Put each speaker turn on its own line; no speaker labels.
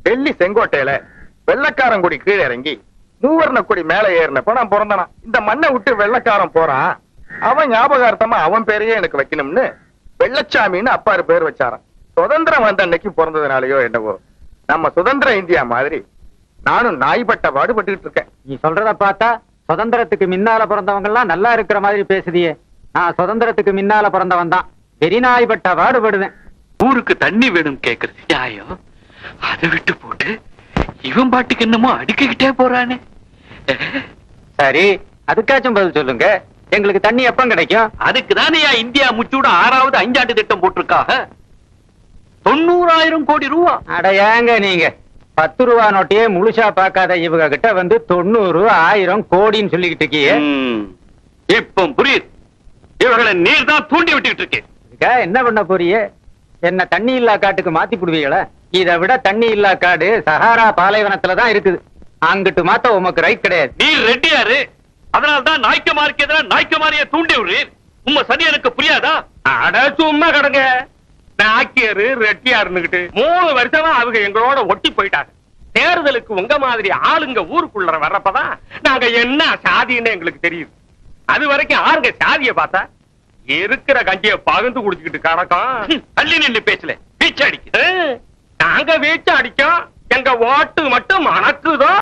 டெல்லி செங்கோட்டையில வெள்ளக்காரங்குடி கீழே இறங்கி மூவர்ண கொடி மேல ஏறினப்ப நான் பிறந்தனா. இந்த மண்ணை விட்டு வெள்ளக்காரன் போறான், அவன் ஞாபகார்த்தமா அவன் பேரையே எனக்கு வைக்கணும்னு வெள்ளச்சாமின்னு அப்பாரு பேர் வச்சாரான். சுதந்திரம் வந்த அன்னைக்கு பிறந்ததுனாலயோ என்னவோ நம்ம சுதந்திர இந்தியா மாதிரி நானும் நாய்பட்ட பாடுபட்டுக்கிட்டு இருக்கேன்.
நீ சொல்றத பார்த்தா சுதந்திரத்துக்கு முன்னால பிறந்தவங்க எல்லாம் நல்லா இருக்கிற மாதிரி பேசுதியே. நான் சுதந்திரத்துக்கு முன்னால பிறந்தவன் தான், பெரிய நாய்பட்ட பாடுபடுவேன்.
ஊருக்கு தண்ணி வேணும் கேக்குறது நியாயம், அதை விட்டு போட்டு இவன் பாட்டுக்கு என்னமோ அடிக்கிட்டே போறானே.
சரி, அதுக்காச்சும் பதில் சொல்லுங்க. எங்களுக்கு தண்ணி எப்ப கிடைக்கும்?
அதுக்கு தானே இந்தியா முச்சூட 6வது 5ஆண்டு திட்டம் போட்டிருக்காக. 90,000 கோடி ரூபா.
அட ஏங்க நீங்க 10 ரூபா நோட்டையே முழுசா பார்க்காத இவங்க கிட்ட வந்து 90, 1000 கோடின்னு சொல்லிக்கிட்டு இருக்கீங்க.
இப்ப புரியுது, இவர்களை நீர் தான் தூண்டி விட்டுக்கிட்டு இருக்கு.
என்ன பண்ண போறிய? என்ன தண்ணி இல்லா காட்டுக்கு மாத்தி புடுவீங்களா? இதை விட தண்ணி இல்லா காடு சஹாரா பாலைவனத்துலதான் இருக்குது. அங்கிட்டு மாத்த உமக்கு ரைட் கிடையாது.
நீர் ரெட்டியாரு, அதனால்தான் நாய்க்குமாருக்கு எதிராக நாய்க்குமாரியை தூண்டி விடுறீர். உங்க சதி எனக்கு புரியாதா?
அட சும்மா கடங்க. நாக்கியரு ரெட்டியாருன்னுகிட்டு 3 வருஷமா அவங்க எங்களோட ஒட்டி போயிட்டாங்க. தேர்தலுக்கு உங்க மாதிரி ஆளுங்க ஊருக்குள்ள வர்றப்பதான் நாங்க என்ன சாதின்னு எங்களுக்கு தெரியுது. அது வரைக்கும் ஆளுங்க சாதிய பார்த்தா இருக்கிற கஞ்சிய பகிர்ந்து குடிச்சுக்கிட்டு கிடக்கும்.
தள்ளி நின்று பேசல, வீச்சு அடிக்கு.
நாங்க வீச்சு அடிக்கோம், எங்க ஓட்டு மட்டும் மணக்குதோ.